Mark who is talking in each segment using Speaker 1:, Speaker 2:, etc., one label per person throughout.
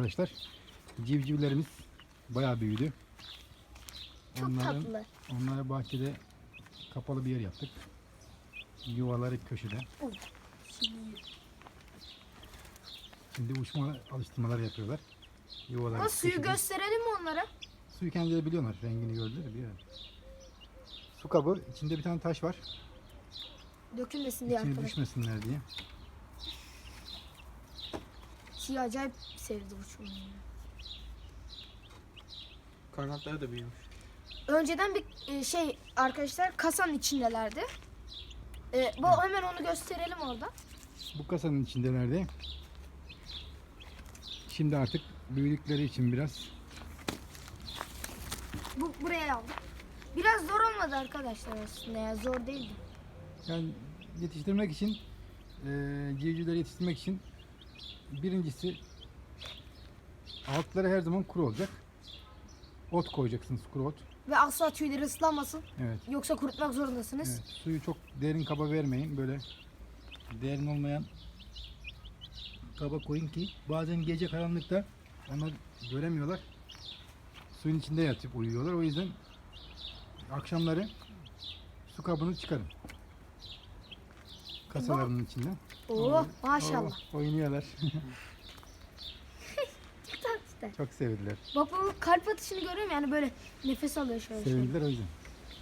Speaker 1: arkadaşlar. Civcivlerimiz bayağı büyüdü.
Speaker 2: Çok tatlı.
Speaker 1: Onlara bahçede kapalı bir yer yaptık. Yuvaları köşede. Şimdi uçma alıştırmalar yapıyorlar. Yuvaları
Speaker 2: Ama suyu
Speaker 1: köşede.
Speaker 2: gösterelim mi onlara?
Speaker 1: Suyu kendileri biliyorlar. Rengini gördüler. Biliyorlar. Su kabı. İçinde bir tane taş var.
Speaker 2: Dökülmesin diye
Speaker 1: İçine
Speaker 2: arkadaşlar.
Speaker 1: düşmesinler diye.
Speaker 2: Siyah acayip sevdi uçmayı.
Speaker 3: Kanatları da büyümüş.
Speaker 2: Önceden bir arkadaşlar kasanın içindelerdi. Hemen onu gösterelim orada.
Speaker 1: Bu kasanın içindelerdi. Şimdi artık büyüdükleri için biraz
Speaker 2: Buraya aldım. Biraz zor olmadı arkadaşlar aslında ya, zor değildi.
Speaker 1: yani yetiştirmek için civcivleri yetiştirmek için birincisi altları her zaman kuru olacak. Ot koyacaksınız, kuru ot.
Speaker 2: Ve asla tüyleri ıslanmasın.
Speaker 1: Evet.
Speaker 2: Yoksa kurutmak zorundasınız.
Speaker 1: Evet. Suyu çok derin kaba vermeyin. Böyle derin olmayan kaba koyun ki bazen gece karanlıkta onlar göremiyorlar. Suyun içinde yatıp uyuyorlar. O yüzden akşamları su kabını çıkarın. Kasalarının içinden.
Speaker 2: Oo, maşallah.
Speaker 1: Oynuyorlar.
Speaker 2: Çok tatlı.
Speaker 1: Çok sevdiler.
Speaker 2: Bak bu kalp atışını görüyorum yani, böyle nefes alıyor şöyle.
Speaker 1: Sevindiler o yüzden.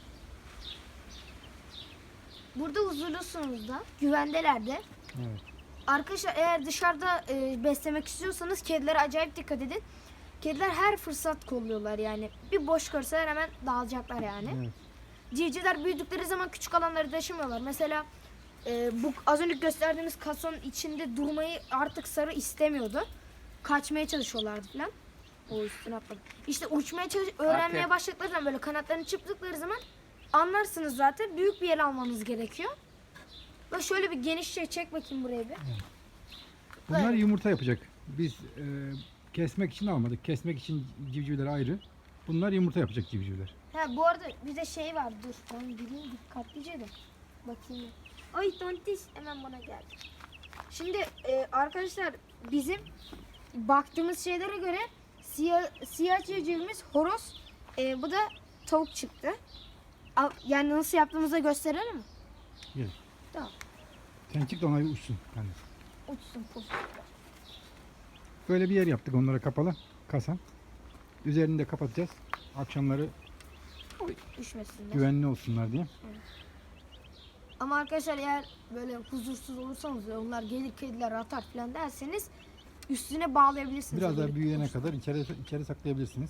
Speaker 2: Burada huzurlusunuz da, güvendeler de.
Speaker 1: Evet.
Speaker 2: Arkadaşlar eğer dışarıda beslemek istiyorsanız kedilere acayip dikkat edin. Kediler her fırsat kolluyorlar yani. Bir boş görseler hemen dağılacaklar yani.
Speaker 1: Evet.
Speaker 2: Civcivler büyüdükleri zaman küçük alanları taşımıyorlar. Mesela bu az önce gösterdiğimiz kasanın içinde durmayı artık Sarı istemiyordu. Kaçmaya çalışıyorlardı falan. O üstüne atladı. İşte uçmaya öğrenmeye başladıkları zaman, böyle kanatlarını çırptıkları zaman anlarsınız zaten. Büyük bir yer almanız gerekiyor. Ve şöyle bir genişçe çek bakayım buraya bir.
Speaker 1: Bunlar
Speaker 2: Böyle.
Speaker 1: yumurta yapacak. Biz kesmek için almadık. Kesmek için civcivler ayrı. Bunlar yumurta yapacak civcivler.
Speaker 2: Ha bu arada bir de şey var, dur ben bileyim dikkatlice de bakayım. Ay tontiş hemen bana geldi. Şimdi arkadaşlar bizim baktığımız şeylere göre siyah civcivimiz horoz, bu da tavuk çıktı. Yani nasıl yaptığımızı da gösterelim mi?
Speaker 1: Gel.
Speaker 2: Tamam.
Speaker 1: Sen çık da onlar uçsun. Yani
Speaker 2: Uçsun puf.
Speaker 1: böyle bir yer yaptık onlara, kapalı kasa. Üzerini de kapatacağız. Akşamları
Speaker 2: Düşmesinler.
Speaker 1: güvenli olsunlar diye.
Speaker 2: Ama arkadaşlar eğer böyle huzursuz olursanız, onlar gelir kediler atar falan derseniz üstüne bağlayabilirsiniz.
Speaker 1: Biraz daha
Speaker 2: Böyle
Speaker 1: büyüyene
Speaker 2: uçsun.
Speaker 1: kadar içeri saklayabilirsiniz.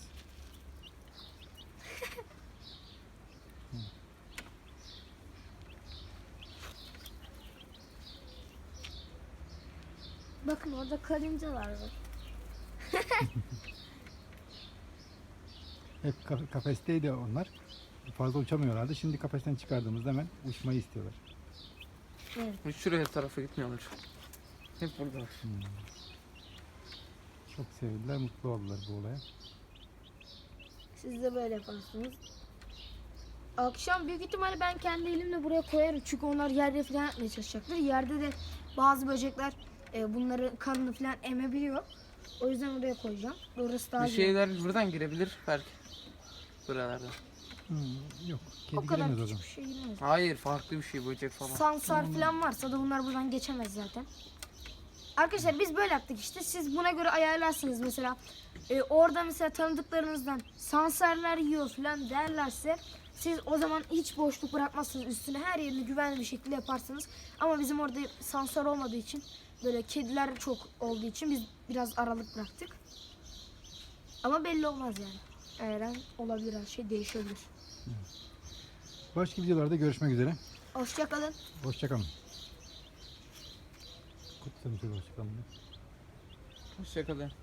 Speaker 2: Bakın orada karıncalar var.
Speaker 1: Hep kafesteydi onlar. Fazla uçamıyorlardı. Şimdi kafesten çıkardığımızda hemen uçmayı istiyorlar.
Speaker 2: Evet.
Speaker 3: Hiç şuraya tarafa gitmiyorlar. Hep burada.
Speaker 1: Çok sevdiler, mutlu oldular bu olaya.
Speaker 2: Siz de böyle yaparsınız. Akşam büyük ihtimalle ben kendi elimle buraya koyarım. Çünkü onlar yerde falan yapmaya çalışacaktır. Yerde de bazı böcekler bunların kanını falan emebiliyor. O yüzden oraya koyacağım. Orası daha
Speaker 3: Bir
Speaker 2: güzel.
Speaker 3: şeyler buradan girebilir belki. Buralardan.
Speaker 1: Yok,
Speaker 2: O
Speaker 1: kedi
Speaker 2: kadar
Speaker 1: giremez o
Speaker 2: küçük
Speaker 1: zaman.
Speaker 2: bir şey girmez.
Speaker 3: Hayır, farklı bir şey, böcek falan.
Speaker 2: Sansar falan varsa da bunlar buradan geçemez zaten. Arkadaşlar biz böyle yaptık işte. Siz buna göre ayarlarsınız mesela. Orada mesela tanıdıklarınızdan sansarlar yiyor falan derlerse siz o zaman hiç boşluk bırakmazsınız. Üstüne her yerini güvenli bir şekilde yaparsınız. Ama bizim orada sansar olmadığı için, böyle kediler çok olduğu için biz biraz aralık bıraktık. Ama belli olmaz yani. Her an olabilir, her şey değişebilir.
Speaker 1: Başka videolarda görüşmek üzere.
Speaker 2: Hoşça kalın.
Speaker 1: Hoşçakalın. Kutsalım şöyle, hoşçakalın.
Speaker 3: Hoşçakalın.